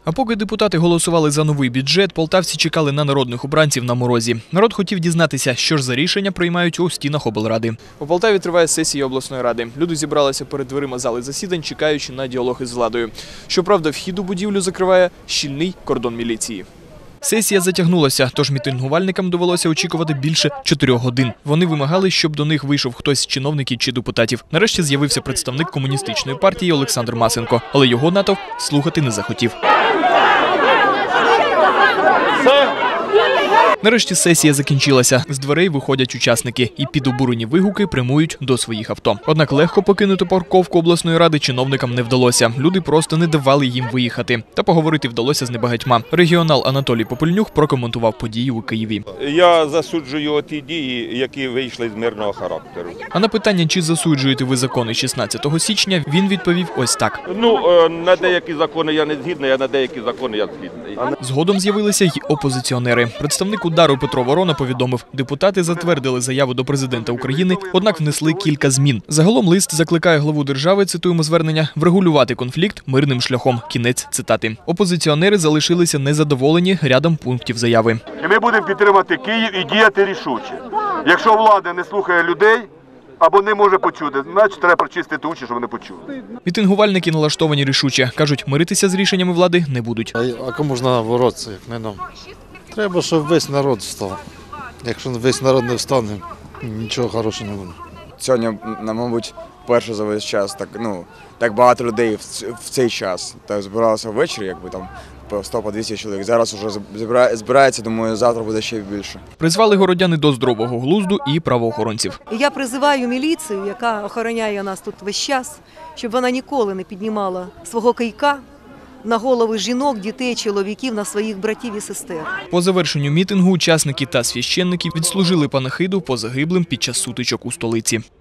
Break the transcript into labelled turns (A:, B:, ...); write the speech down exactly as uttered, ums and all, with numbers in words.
A: А поки депутати голосували за новий бюджет, полтавці чекали на народних обранців на морозі. Народ хотів дізнатися, що ж за рішення приймають у стінах облради. У Полтаві триває сесія обласної ради. Люди зібралися перед дверима зали засідань, чекаючи на діалог із владою. Щоправда, вхід у будівлю закриває щільний кордон міліції. Сесія затягнулася, тож мітингувальникам довелося очікувати більше чотирьох годин. Вони вимагали, щоб до них вийшов хтось з чиновників чи депутатів. Нарешті з'явився представник комуністичної партії Олександр Масенко, але його натовп слухати не захотів. Нарешті сесія закінчилася. З дверей виходять учасники і під обурені вигуки прямують до своїх авто. Однак легко покинути парковку обласної ради чиновникам не вдалося. Люди просто не давали їм виїхати. Та поговорити вдалося з небагатьма. Регіонал Анатолій Попельнюк прокоментував події у Києві.
B: Я засуджую ті дії, які вийшли з мирного характеру.
A: А на питання, чи засуджуєте ви закони шістнадцятого січня, він відповів ось так.
B: Ну, на деякі закони я не згідний, а на деякі закони я згідний.
A: Згодом з'явилися й опозиціонери. Представник удару Петро Ворона повідомив, депутати затвердили заяву до президента України, однак внесли кілька змін. Загалом лист закликає главу держави, цитуємо звернення, врегулювати конфлікт мирним шляхом. Кінець цитати. Опозиціонери залишилися незадоволені рядом пунктів заяви.
C: І ми будемо підтримати Київ і діяти рішуче. Якщо влада не слухає людей або не може почути, значить треба прочистити уші, щоб вони почули.
A: Мітингувальники налаштовані рішуче. Кажуть, миритися з рішеннями влади не будуть.
D: А кому ж треба боротися, як не нам? Треба, щоб весь народ встав. Якщо весь народ не встане, нічого хорошого не буде.
E: Сьогодні, мабуть, перше за весь час, так, ну, так багато людей в цей час. Так, збиралося ввечері, якби там по сто - двісті чоловік. Зараз вже збирається, думаю, завтра буде ще більше.
A: Призвали городяни до здорового глузду і правоохоронців.
F: Я призиваю міліцію, яка охороняє нас тут весь час, щоб вона ніколи не піднімала свого кийка на голови жінок, дітей, чоловіків, на своїх братів і сестер.
A: По завершенню мітингу учасники та священники відслужили панахиду по загиблим під час сутичок у столиці.